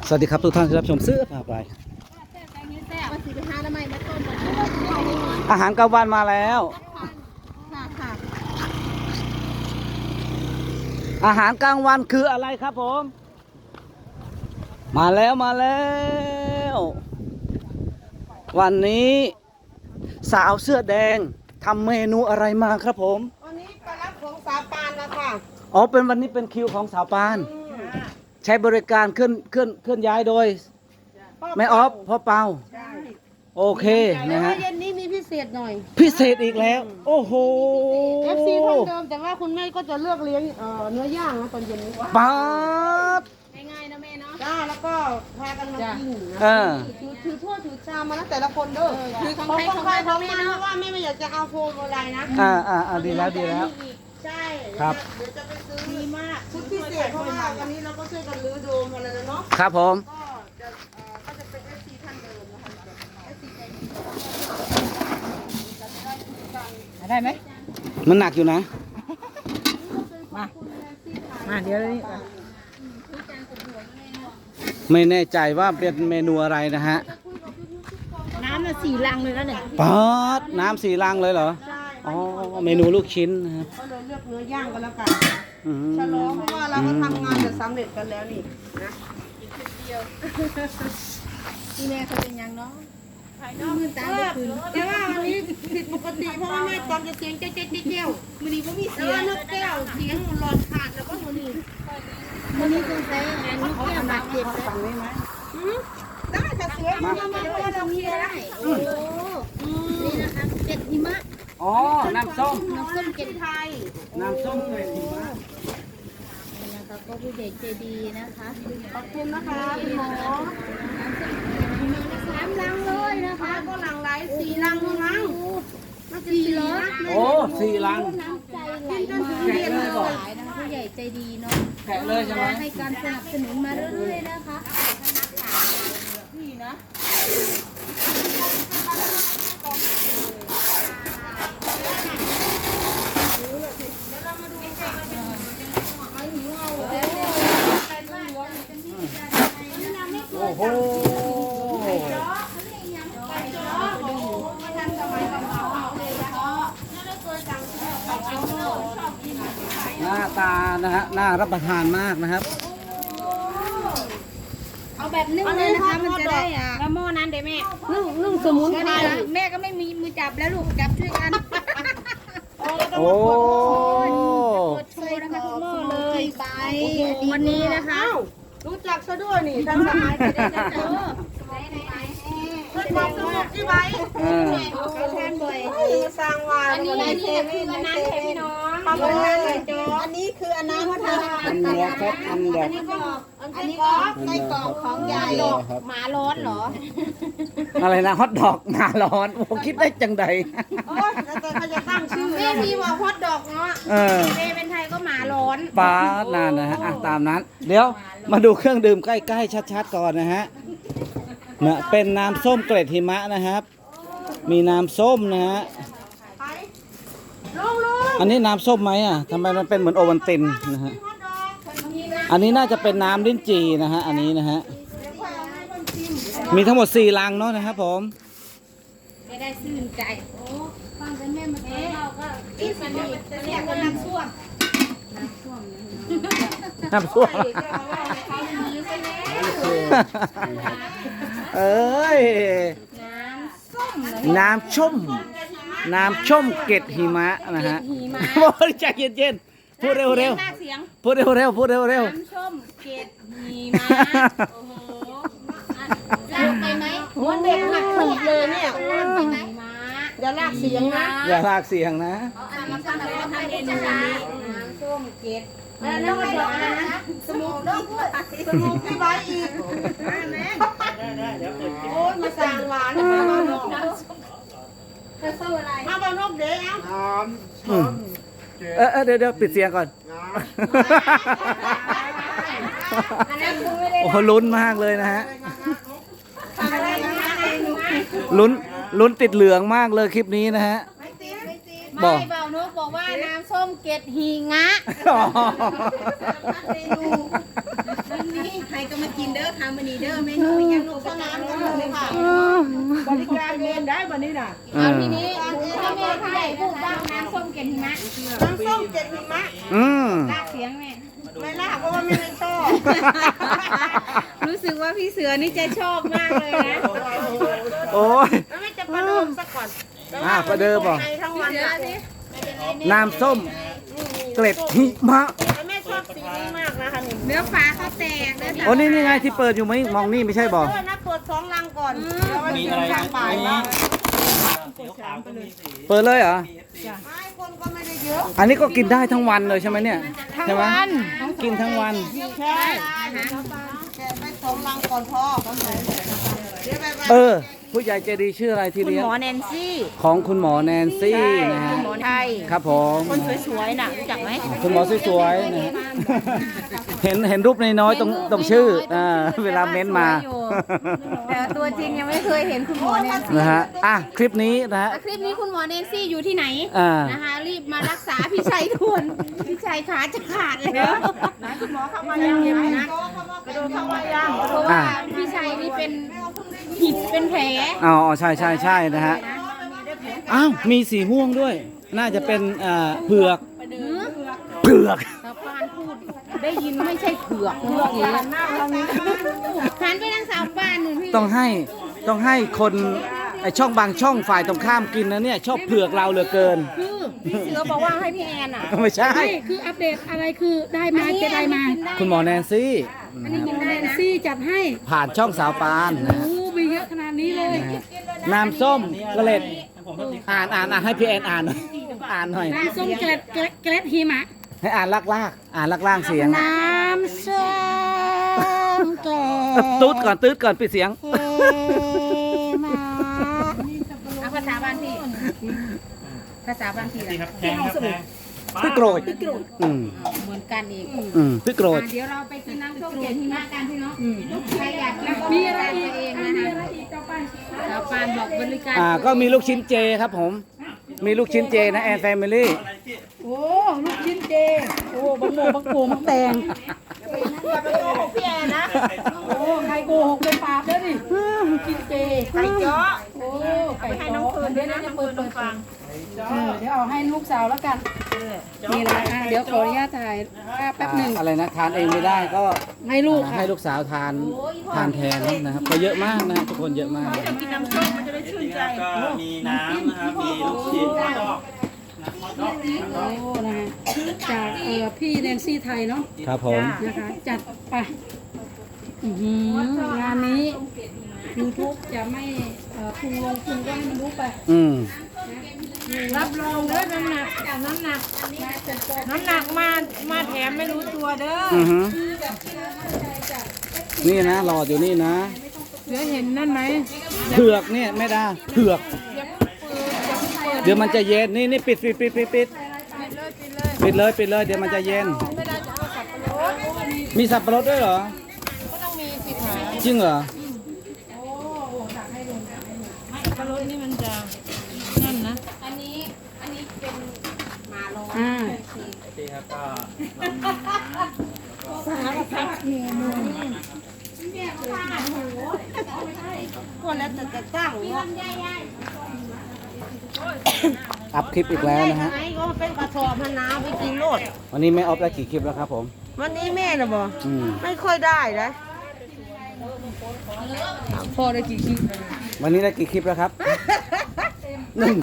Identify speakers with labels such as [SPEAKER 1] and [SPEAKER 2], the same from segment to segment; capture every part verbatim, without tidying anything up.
[SPEAKER 1] สวัสดีครับทุกท่านที่รับชมซื้อพาไปอาหารกลางวันมาแล้วอาหารกลางวันคืออะไรครับผมมาแล้วมาแล้ววันนี้สาวเสื้อแดงทำเมนูอะไรมาครับผม
[SPEAKER 2] วันนี้ไปรับของสาวปานแล้วค่ะ
[SPEAKER 1] อ๋อเป็นวันนี้เป็นคิวของสาวปานใช้บริการเคลื่อนเคลื่อนเคลื่อนย้ายโดยแม่ออฟพ่อเปาโอเคนะฮะ
[SPEAKER 2] เย็นนี้มีพิเศษหน่อย
[SPEAKER 1] พิเศษอีกแล้วโอ้โห
[SPEAKER 2] เอฟซีเท่าเดิมแต่ว่าคุณแม่ก็จะเลือกเลี้ยงเอ่อเนื้อย่างนะตอนเย็นนี้
[SPEAKER 1] ป๊าด
[SPEAKER 2] ง่ายๆนะแม่เนาะจ้าแล้วก็พากันมากิน
[SPEAKER 1] เออ
[SPEAKER 2] ถือถือถ้วยถือชามมาแล้วแต่ละคนเด้อถือของใครของมันของมันเพราะว่าแม่ไม่อยากจะเอาโฟมอะไรนะ
[SPEAKER 1] อ่าอ่าอ่าดีแล้วดีแล้ว
[SPEAKER 2] ใช่
[SPEAKER 1] ครับ
[SPEAKER 2] เดี๋ยวจะไปซื้อดีมากชุดพิเศษเพราะว่าวันนี้เราก็ช่วยกันรื้อโดมอะไรแล้วเนาะ
[SPEAKER 1] ครับผม
[SPEAKER 2] ก็จะเอ่อก็จะเป็นเอฟซีท่านเดิมนะคะเอฟซีใจดี
[SPEAKER 3] ได้ไหม
[SPEAKER 1] มันหนักอยู่นะ
[SPEAKER 3] มามาเดี๋ยวนี้
[SPEAKER 1] ไม่แน่ใจว่าเป็นเมนูอะไรนะฮะ
[SPEAKER 2] น้ำน่ะสี่ลังเลยแล้วเนี่ย
[SPEAKER 1] ป๊าดน้ำสี่ลังเลยเหรอ
[SPEAKER 2] ใช่
[SPEAKER 1] อ๋อเมนูลูกชิ้นนะครับ
[SPEAKER 2] ก็เลยเลือกเนื้อย่างกันแล้วกันฉลองเพราะว่าเราก็ทำงานจะสำเร็จกันแล้วนี่นะอีกทีเดียวที่แม่เขาเป็นยังเนาะมือตาคืนแต่ว่าวันนี้ผิดปกติเพราะว่าแม่ตอนจะเสียงเจ๊เจ๊เจ๊เจ๊มือนี้ก็มีเสียงแล้วนกแก้วเสียงหลอดขาดแล้วก็มือนี้มือนี้คือใช้งานนกแก้วบาดเจ็บสั่งได้ไหมได้แต่เสือมามามาเรามีได้โอ้นี่นะคะเจ็ดหิมะ
[SPEAKER 1] อ๋อน้ำส้ม
[SPEAKER 2] น้ำส้มเจ็ดไทย
[SPEAKER 1] น้ำส้มเลยหิมะ
[SPEAKER 2] นี่นะคะก็ผู้ใหญ่ใจดีนะคะขอบคุณนะคะคุณหมอสามลังเลยนะคะก็ลังไหลสี่ลังมั้งสี่เหรอ
[SPEAKER 1] โอ้สี่ลัง
[SPEAKER 2] น้ำใจไหลมาเรียนเลยนะคะผู้ใหญ่ใจดีเนาะ
[SPEAKER 1] แกะเลยใช่ไหม
[SPEAKER 2] ให้การสนับสนุนมาเรื่อยๆนะคะนี่นะ
[SPEAKER 1] โอ้โหหน้าตานะฮะน่ารับประทานมากนะครับ
[SPEAKER 2] เอาแบบนึ่งเลยนะคะมันจะได้อ่ะแล้วหม้อนั้นเดี๋ยวแม่นึ่งนึ่งสมุนไพรแม่ก็ไม่มีมือจับแล้วลูกจับช่วยกัน
[SPEAKER 1] โอ้
[SPEAKER 2] โชว์นะคะทุกหม้อเลยไปวันนี้นะคะรู้จักซะด้วยนี่ทันสมัยจะได้เจอเพื่อนความสนุกที่ไว้เขาแทนบ่อยสร้างวานอันนี้อันนี้คืออันนั้นใช่พี่น้องอันนั้นอันนี้คืออันนั้นว่าทำ
[SPEAKER 1] อันเดียวครับอันเดียว
[SPEAKER 2] อันนี้ก็อันนี้ก็ไส้กรอกของยายหมาร้อนเหรอ
[SPEAKER 1] อะไรนะฮอทดอกหมาร้อนโอ้คิดได้จังใด
[SPEAKER 2] โอ้ยแต่เขาจะตั้งชื่อแม่มีว่าฮอทดอกเนาะเมย์เป็นไทยก็หมาร้อน
[SPEAKER 1] ป้านานนะฮะตามนั้นเดี๋ยวมาดูเครื่องดื่มใกล้ๆชัดๆก่อนนะฮะเนี่ยเป็นน้ำส้มเกล็ดหิมะนะครับมีน้ำส้มนะฮะอันนี้น้ำส้มไหมอ่ะทำไมมันเป็นเหมือนโอวัลตินนะฮะอันนี้น่าจะเป็นน้ำลิ้นจี่นะฮะอันนี้นะฮะมีทั้งหมดสี่ลังเนาะนะครับผม
[SPEAKER 2] ไม่ได้ชื่นใจโอ้ฟังแต่แม่มาเอ๊ะเราก็ที่สนิทจะเรียกว่าน้ำส้วมน้ำส้วม
[SPEAKER 1] น้ำส้วมเอ้ยน้ำส้มน้ำส้มเกล็ดหิมะนะฮะโอ้ยใจเย็นๆพูดเร็วๆพูดเร็วๆพูดเร็วๆน้
[SPEAKER 2] ำส้มเกล็ดหิมะโอ้โหลากไปไหมวันเด็กหักถูกเลยเนี่ยอย่าลากเสียงนะ
[SPEAKER 1] อย่าลากเสียงนะ
[SPEAKER 2] อันนี้ทำอะไรทำเมนูนี้น้ำส้มเกล็ดแล้วก็ดอกนะสมุนสมุนพี่ไว้อีกโอ้ยมาสั่งหวานมาบ้านนกจะเศร้าอะไรมาบ้านนกเดี๋ยว
[SPEAKER 1] เออเออเดี๋ยวเดี๋ยวปิดเสียงก่อนโอ้โหลุ้นมากเลยนะฮะลุ้นลุ้นติดเหลืองมากเลยคลิปนี้นะฮะ
[SPEAKER 2] ไม่เบานกบอกว่าน้ำส้มเกล็ดหิงะนี่ใครก็มากินเด้อด้อทำมันนี่เด้อเมนูยังลูกสนามกันเลยค่ะบริการเองได้วันนี้น่ะ
[SPEAKER 1] เออ
[SPEAKER 2] ทีนี้ถ้าแม่ใหญ่พูดบ้างน้ำส้มเกล็ดหิมะน้ำส้มเกล็ดหิมะ
[SPEAKER 1] อืม
[SPEAKER 2] ลากเสียงแม่ไม่ลากเพราะว่าไม่ได้ชอบ รู้สึกว่าพี่เสือนี่จะชอบมากเลยนะ
[SPEAKER 1] โอ้ย
[SPEAKER 2] แล้วไม่จะประเดิมสักก่อน
[SPEAKER 1] อ่ะประเดิมเหรอ
[SPEAKER 2] ในทั้งวันอะ
[SPEAKER 1] น้ำส้มเกล็ดหิมะ
[SPEAKER 2] แม่ชอบสีนี้มากนะคะเนื้อฟ้าเขาแตกเลย
[SPEAKER 1] โอ้นี่นี่ไงที่เปิดอยู่ไหมมองนี่ไม่ใช่บอก
[SPEAKER 2] เออนะเปิดสองลังก่อนมีอะไรทางบ่ายบ้าง
[SPEAKER 1] เปิดเลยเหรอ
[SPEAKER 2] ไม่คนก็ไม่ได้เยอะ
[SPEAKER 1] อันนี้ก็กินได้ทั้งวันเลยใช่ไหมเนี่ยใช่ไหมกินทั้งวัน
[SPEAKER 2] ใช่แกะไปสองลังก่อนพ่อเดี๋ยวไปไป
[SPEAKER 1] เออ ผู้ใหญ่ใจดีชื่ออะไรที่
[SPEAKER 2] คุณ
[SPEAKER 1] เลี้ยง
[SPEAKER 2] หมอแนนซี่
[SPEAKER 1] ของคุณหมอแนนซี่นะฮะ
[SPEAKER 2] คุณหมอไทย
[SPEAKER 1] ครับผม
[SPEAKER 2] คนสวยๆน่ะรู้จักไหม
[SPEAKER 1] คุณหมอสวยๆนะฮะเห็นเห็นรูปน้อยๆตรงตรงชื่ออ่าเวลาเม้นมา
[SPEAKER 2] แต่ตัวจริงยังไม่เคยเห็นคุณหมอแนนซี่
[SPEAKER 1] นะฮะอ่ะคลิปนี้นะฮะ
[SPEAKER 2] คลิปนี้คุณหมอแนนซี่อยู่ที่ไหน
[SPEAKER 1] อ่า
[SPEAKER 2] นะคะรีบมารักษาพี่ชัยด่วนพี่ชัยขาจะขาดแล้วคุณหมอเข้ามายังนะกระโดดเข้ามายังเพราะว่าพี่ชัยนี่เป็นหิดเป็นแผล
[SPEAKER 1] อ๋อใช่ใช่ใช่นะฮะอ้าวมีสีม่วงด้วย น่าจะเป็นอ่าเผือกเผือก
[SPEAKER 2] ชาวบ้านพูดได้ยินไม่ใช่เผือกเผือกนี่หันไปทางสาวบ้านหนึ่งพี่
[SPEAKER 1] ต้องให้ต้องให้คนไอช่องบางช่องฝ่ายตรงข้ามกินนะเนี่ยชอบเผือกเราเหลือเกิน
[SPEAKER 2] คือพี่เสือบอกว่าให้พี่แอนอ่ะ
[SPEAKER 1] ไม่ใช่
[SPEAKER 3] ไม่คืออัปเดตอะไรคือได้มาจะได้มา
[SPEAKER 1] คุณหมอแนนซี่
[SPEAKER 3] อันนี้กินได้ซี่จัดให้
[SPEAKER 1] ผ่านช่องสาวปานนะ
[SPEAKER 3] โอ้
[SPEAKER 1] ฮะ
[SPEAKER 3] มีเยอะขนาดนี้เลย
[SPEAKER 1] นะฮะน้ำส้มกระเล็ดอ่านอ่านอ่านให้พี่แอนอ่านหน่อยอ่านหน่อย
[SPEAKER 3] น้ำส้มเกล็ดเกล็ดเกล็ดหิมะ
[SPEAKER 1] ให้อ่านลากลากๆอ่านลากล่างเสียง
[SPEAKER 3] น้ำส้มเกล็
[SPEAKER 1] เอ้อตุ๊ดก่อนตุ๊ดก่อนปิดเสียง
[SPEAKER 3] หิมะ
[SPEAKER 2] เอาภาษาบ้านพี่ภาษาบ้านพี่
[SPEAKER 4] นี่
[SPEAKER 2] ล่ะ
[SPEAKER 4] ครับแพงครับแพง
[SPEAKER 1] พี่โกรธอืม
[SPEAKER 2] เหมือนกันอีก
[SPEAKER 1] อืมพี่โกรธ
[SPEAKER 2] อ่ะเดี๋ยวเราไปกินน้ำส้มเกล็ดหิมะกันพี่เนาะใครอยากกินก็
[SPEAKER 3] มี
[SPEAKER 2] มี
[SPEAKER 3] อะ
[SPEAKER 2] อะไร ไร
[SPEAKER 3] อี
[SPEAKER 2] ตัว
[SPEAKER 3] ก
[SPEAKER 2] เอง
[SPEAKER 3] อ่ะ
[SPEAKER 2] นะ
[SPEAKER 3] มี
[SPEAKER 2] คะ
[SPEAKER 3] อะไรอีกต่อไป
[SPEAKER 2] ชาวบ้านบอกบริการ
[SPEAKER 1] อ่าก็มีลูกชิ้นเจครับผม มีลูกชิ้นเจนะแอนแฟมิลี่
[SPEAKER 3] โอ้ลูกชิ้นเจโอ้บังโมบังโกบังแตง
[SPEAKER 2] อย่าไปโกหกพี่แอนนะ
[SPEAKER 3] โอ้ใครโกหกเป็นปราบแล้วดิลูกชิ้นเจ
[SPEAKER 2] ไก่เจาะ
[SPEAKER 3] โอ้ไก่
[SPEAKER 2] ให้น้องเฟิร์นด้วยนะน้องเฟิร์นลงฟัง
[SPEAKER 3] เออเดี๋ยวเอาให้ลูกสาวแล้วกันนี่แหละอ่ะเดี๋ยวขออนุญาตถ่ายภาพแป๊บหนึ่ง
[SPEAKER 1] อะไรนะทานเองไม่ได้ก็
[SPEAKER 3] ให้ลูก
[SPEAKER 1] อ่า
[SPEAKER 3] ค่ะ
[SPEAKER 1] ให้ลูกสาวทานทานแทนนะครับก็เยอะมากนะทุกคนเยอะมาก
[SPEAKER 2] กินน้ำส้มมันจะได้ชื่นใจ
[SPEAKER 4] ก็มีน้ำนะครับ มีลูกชิ้นแล้วก็
[SPEAKER 3] โอ้นะฮะจากเอ่อพี่แนนซี่ไทยเนาะ
[SPEAKER 1] ครับผม
[SPEAKER 3] นะคะจัดไปอื้อหืองานนี้ YouTube จะไม่เอ่อพุงลงพุงก็ให้มันรู้ไป
[SPEAKER 1] อืม
[SPEAKER 2] รับรองเด้อน้ำหนักน้ำหนักน้ำหนักมามาแถมไม่รู้ตัวเด้อ
[SPEAKER 1] อือฮึนี่นะหลอดอยู่นี่นะ
[SPEAKER 2] เสือเห็นนั่นไหม
[SPEAKER 1] เผือกเนี่ยไม่ได้เผือก เดี๋ยวมันจะเย็นนี่นี่ปิดปิดปิดปิดปิดปิดเลยปิดเลยเดี๋ยวมันจะเย็น มีสับปะรดด้วยเหรอจริงเหรอ
[SPEAKER 2] ปลารสนี่มันจะนั่นนะอันนี้อันนี้เป็นหมาลง
[SPEAKER 3] อ่า
[SPEAKER 4] ที่ครับก็
[SPEAKER 2] คนแล้วแต่จะตั้งเนาะ
[SPEAKER 1] อัพคลิปอีกแล้วนะฮะ
[SPEAKER 2] ไอ้ก็เป็นกระสอบมะนาวไปกินโลด
[SPEAKER 1] วันนี้แม่ออฟได้กี่คลิปแล้วครับผม
[SPEAKER 2] วันนี้แม่น่ะบ่
[SPEAKER 1] อืม
[SPEAKER 2] ไม่ค่อยได้นะพอได้กี่คลิป
[SPEAKER 1] วันนี้ได้กี่คลิปแล้วครับหนึ่ง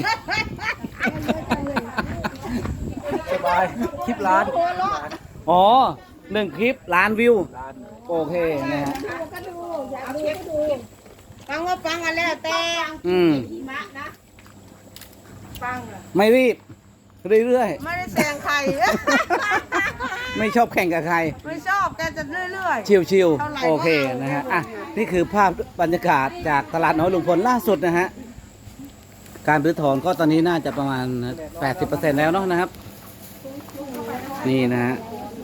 [SPEAKER 1] สบายคลิปล้านอ๋อหนึ่งคลิปล้านวิวโอเคนะฮะ
[SPEAKER 2] ฟังว่าฟังกันแล้วแต่
[SPEAKER 1] อืม
[SPEAKER 2] หิมะนะฟังเหรอ
[SPEAKER 1] ไม่รีบเรื่อย
[SPEAKER 2] ไม่ได้แซงใคร
[SPEAKER 1] ๆ ไม่ชอบแข่งกับใคร
[SPEAKER 2] ไม่ชอบแกจะเรื่อย
[SPEAKER 1] ชิว
[SPEAKER 2] เท่าไหร่
[SPEAKER 1] ๆ โอเค
[SPEAKER 2] ก็เอา
[SPEAKER 1] นะฮะ อ่ะ นี่คือภาพบรรยากาศจากตลาดน้อยลุงพลล่าสุดนะฮะ การรื้อถอนก็ตอนนี้น่าจะประมาณ แปดสิบเปอร์เซ็นต์ แล้วเนาะนะครับ นี่นะฮะ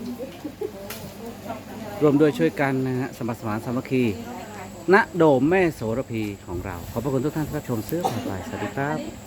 [SPEAKER 1] รวมด้วยช่วยกันนะฮะ สมัครสมานสามัคคี ณ โดมแม่โสระพีของเรา ขอบพระคุณทุกท่านที่รับชมเสื้อผ่าไปสวัสดีครับ